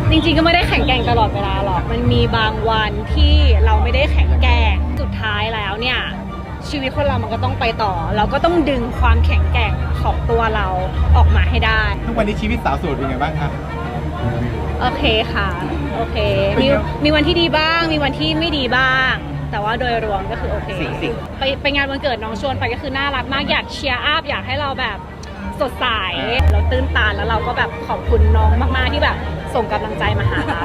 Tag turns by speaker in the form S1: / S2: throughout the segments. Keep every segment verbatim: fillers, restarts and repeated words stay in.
S1: จริงๆก็ไม่ได้แข็งแกร่งตลอดเวลาหรอกมันมีบางวันที่เราไม่ได้แข็งแกร่งสุดท้ายแล้วเนี่ยชีวิตคนเรามันก็ต้องไปต่อเราก็ต้องดึงความแข็งแกร่งของตัวเราออกมาให้ได้
S2: ทุกวันนี้ชีวิตสาวโสดเป็นไงบ้างคะ
S1: โอเคค่ะโอเคมีมีวันที่ดีบ้างมีวันที่ไม่ดีบ้างแต่ว่าโดยรวมก็คือโอเคไปไปงานวันเกิดน้องชวนไปก็คือน่ารักมากอยากเชียร์อัพอยากให้เราแบบสดใสเราตื้นตันแล้วเราก็แบบขอบคุณน้องมากๆที่แบบส่งกำลังใจมาหาเรา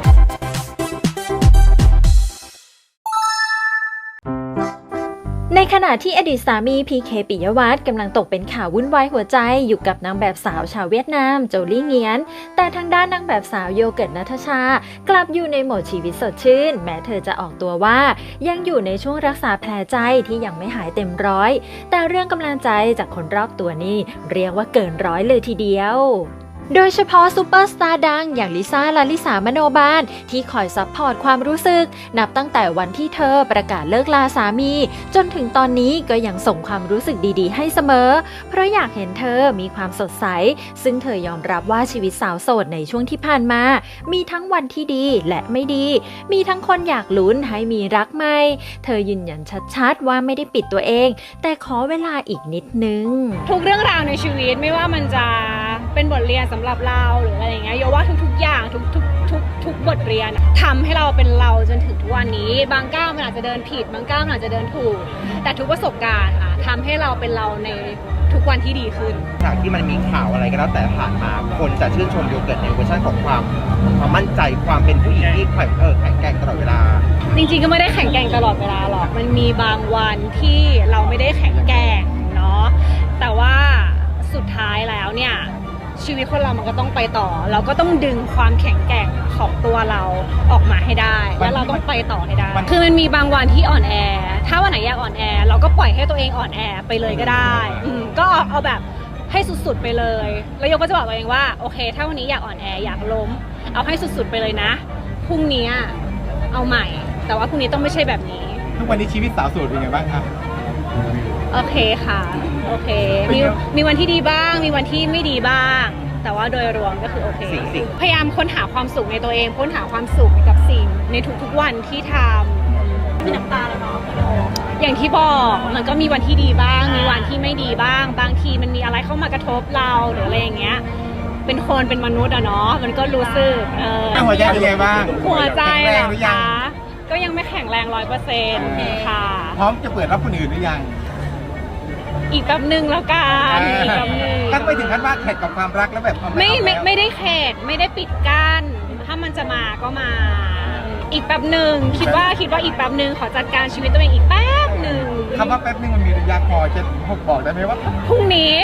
S3: ในขณะที่อดีตสามีพีเคปิยวัฒน์กำลังตกเป็นข่าววุ่นวายหัวใจอยู่กับนางแบบสาวชาวเวียดนามโจลี่เงียนแต่ทางด้านนางแบบสาวโยเกิร์ตณัฐชากลับอยู่ในโหมดชีวิตสดชื่นแม้เธอจะออกตัวว่ายังอยู่ในช่วงรักษาแผลใจที่ยังไม่หายเต็มร้อยแต่เรื่องกำลังใจจากคนรอบตัวนี่เรียกว่าเกินร้อยเลยทีเดียวโดยเฉพาะซูเปอร์สตาร์ดังอย่างลิซ่าลาลิสามโนบาลที่คอยซัพพอร์ตความรู้สึกนับตั้งแต่วันที่เธอประกาศเลิกลาสามีจนถึงตอนนี้ก็ยังส่งความรู้สึกดีๆให้เสมอเพราะอยากเห็นเธอมีความสดใสซึ่งเธอยอมรับว่าชีวิตสาวโสดในช่วงที่ผ่านมามีทั้งวันที่ดีและไม่ดีมีทั้งคนอยากลุ้นให้มีรักใหม่เธอยืนยันชัดๆว่าไม่ได้ปิดตัวเองแต่ขอเวลาอีกนิดนึง
S1: ทุกเรื่องราวในชีวิตไม่ว่ามันจะเป็นบทเรียนสำหรับเราหรืออะไรอย่างเงี้ยโยว่าทุกๆอย่างทุกทุกทุกทุกบทเรียนทำให้เราเป็นเราจนถึงทุกวันนี้บางก้าวมันอาจจะเดินผิดบางก้าวมันอาจจะเดินถูกแต่ทุกประสบการณ์ค่ะทำให้เราเป็นเราในทุกวันที่ดีขึ้น
S4: จากที่มันมีข่าวอะไรก็แล้วแต่ผ่านมาคนจะชื่นชมโยเกิร์ตในเวอร์ชันของความความมั่นใจความเป็นผู้หญิงที่แข็งเออแข็งแกร่งตลอดเวลา
S1: จริงๆก็ไม่ได้แข็งแกร่งตลอดเวลาหรอกมันมีบางวันที่เราไม่ได้แข็งแกร่งเนาะแต่ว่าสุดท้ายแล้วเนี่ยชีวิตคนเรามันก็ต้องไปต่อเราก็ต้องดึงความแข็งแกร่งของตัวเราออกมาให้ได้แล้วเราต้องไปต่อให้ได้คือมันมีบางวันที่อ่อนแอถ้าวันไหนอยากอ่อนแอเราก็ปล่อยให้ตัวเองอ่อนแอไปเลยก็ได้อืมก็เอาแบบให้สุดๆไปเลยแล้วโยก็จะบอกตัวเองว่าโอเคถ้าวันนี้อยากอ่อนแออยากล้มเอาให้สุดๆไปเลยนะพรุ่งนี้เอาใหม่แต่ว่าพรุ่งนี้ต้องไม่ใช่แบบนี้
S2: ทุกวันนี้ชีวิตสาวโสดเป็นไงบ้างครับ
S1: โอเคค่ะโอเคมีมีวันที่ดีบ้างมีวันที่ไม่ดีบ้างแต่ว่าโดยรวมก็คือโอเคพยายามค้นหาความสุขในตัวเองค้นหาความสุขกับสิ่งในทุกๆวันที่ทำมีน้ำตาแล้วเนาะอย่างที่บอกมันก็มีวันที่ดีบ้างมีวันที่ไม่ดีบ้างบางทีมันมีอะไรเข้ามากระทบเราหรืออะไรอย่างเงี้ยเป็นคนเป็นมนุษย์อะเนาะมันก็รู้สึกเออ
S2: หัวใจเป็นไงบ้าง
S1: หัวใจเหรอคะก็ยังไม่แข็งแรงร้อยเปอร์เซ็นต์ค่ะ
S2: พร้อมจะเปิดรับคนอื่นหรือยัง
S1: อีกแป๊บหนึ่งแล้วกันอีกแป๊บหนึ่ง
S2: ตั้งไปถึงขั้นว่าแขกกับความรักแล้วแบบ
S1: ไม่ไม่ไม่ได้แขกไม่ได้ปิดกั้นถ้ามันจะมาก็มาอีกแป๊บหนึ่งคิดว่าคิดว่าอีกแป๊บหนึ่งขอจัดการชีวิตตัวเองอีกแป๊บหนึ่ง
S2: คำว่าแป๊บหนึ่งมันมีระยะพอจะบอกได้ไหมว่า
S1: พรุ่งนี้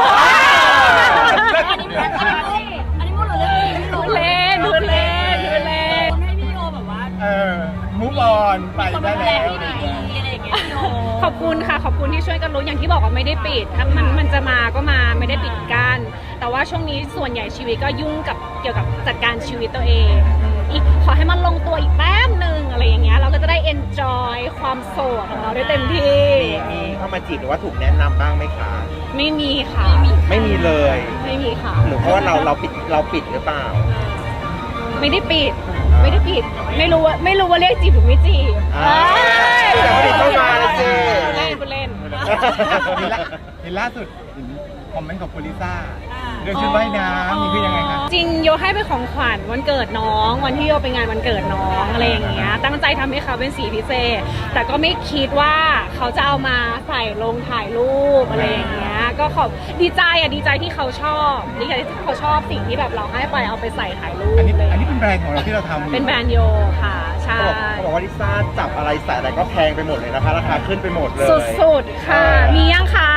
S5: อันนี้อันนี้พูดหรือเล่น
S1: พูดเล่นพูดเล่นพูดเล่น
S5: ให้พี่โยแบบว่า
S2: เออมูฟออนไปได้แล้ว
S1: ขอบคุณค่ะขอบคุณที่ช่วยกันรู้อย่างที่บอกว่าไม่ได้ปิดถ้ามันมันจะมาก็มาไม่ได้ปิดกั้นแต่ว่าช่วงนี้ส่วนใหญ่ชีวิตก็ยุ่งกับเกี่ยวกับจัดการชีวิตตัวเองอีกขอให้มันลงตัวอีกแป๊บหนึ่งอะไรอย่างเงี้ยเราก็จะได้ enjoy ความโสดของเราได้เต็มที่
S4: มีเข้ามาจีบหรือว่าถูกแนะนำบ้างไหมคะ
S1: ไม่มีค่ะ
S4: ไม่มีเลย
S1: ไม่มีค่ะ
S4: หรือเพราะว่าเราเราปิดเราปิดหรือเปล่า
S1: ไม่ได้ปิดไม่ได้ปิดไม่รู้ว่าไม่รู้ว่าเรียกจีบหรือไม่จีบ
S4: แต่ปิดเข้ามาเลยสิ
S1: เล่นเล่น
S2: เห็นล่าสุดคอมเมนต์ของคุณลิซ่าเรื่องชุดว่ายน้ำนี่คือยังไงคะ
S1: จริงโยให้เป็นของขวัญวันเกิดน้องวันที่โยไปงานวันเกิดน้องอะไรอย่างเงี้ยตั้งใจทำให้เขาเป็นสีพิเศษแต่ก็ไม่คิดว่าเขาจะเอามาใส่ลงถ่ายรูปอะไรอย่างเงี้ยก็ขอบดีใจอ่ะดีใจที่เขาชอบดีใจที่เขาชอบสิ่งที่แบบเราให้ไปเอาไปใส่ถ่ายรูป
S2: อันนี้อันนี้เป็นแบรนด์ของเราที่เราทำ
S1: เป็นแบรนด์โยค่ะใช่
S4: เขาบอกว่าลิซ่าจับอะไรใส่อะไรก็แพงไปหมดเลยนะคะราคาขึ้นไปหมดเลย
S1: สุดๆค่ะมียังคะ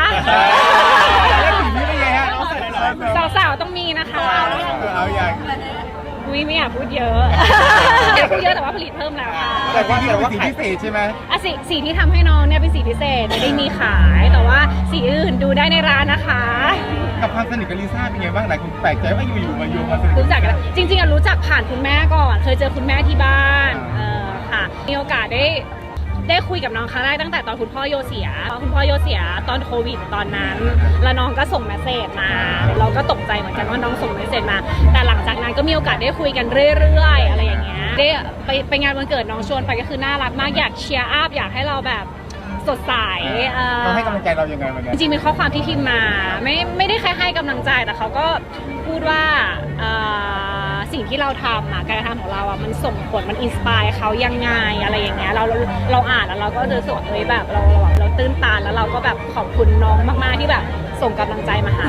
S1: สาวๆต้องมีนะคะ
S2: เอาอย่าง
S1: อุ้ยไม่อยากพูดเยอะอยากพูดเยอะแต่ว่าผลิตเพิ่มแล้วค่ะ
S2: แต่ว่าแต่ว่าสีพิเศษใช่ไหม
S1: อ่ะสีสีที่ทำให้น้องเนี่ยเป็นสีพิเศษไม่ได้มีขายแต่ว่าสีอื่นดูได้ในร้านนะคะ
S2: กับความสนิทกับลิซ่าเป็นไงบ้างหลายคนแปลกใจว่าอยู่ๆมาโยงมาสนิท
S1: รู้จักกันจริงๆอ่ะรู้จักผ่านคุณแม่ก่อนเคยเจอคุณแม่ที่บ้านเออค่ะมีโอกาสได้ได้คุยกับน้องครั้งแรกตั้งแต่ตอนคุณพ่อโยเสียคุณพ่อโยเสียตอนโควิดตอนนั้นแล้วน้องก็ส่งเมสเซจมาเราก็ตกใจเหมือนกันว่าน้องส่งเมสเซจมาแต่หลังจากนั้นก็มีโอกาสได้คุยกันเรื่อยๆอะไรอย่างเงี้ยได้ไปไปงานวันเกิดน้องชวนไปก็คือน่ารักมากอยากเชียร์อัพอยากให้เราแบบสดใสเอ่อ
S2: เขาให้กำลังใจเรายังไงวันนี้
S1: จริงๆมีข้อความที่พิมพ์มาไม่ไม่ได้แค่ให้กำลังใจแต่เขาก็พูดว่าเอ่อสิ่งที่เราทำอะการกระทำของเราอะมันส่งผลมันอินสปายเขายังไงอะไรอย่างเงี้ยเราเราเราอ่านแล้วเราก็รู้สึกว่าเฮ้ยแบบเราเราเราตื้นตันแล้วเราก็แบบขอบคุณน้องมากๆที่แบบส่งกำลังใจมาให้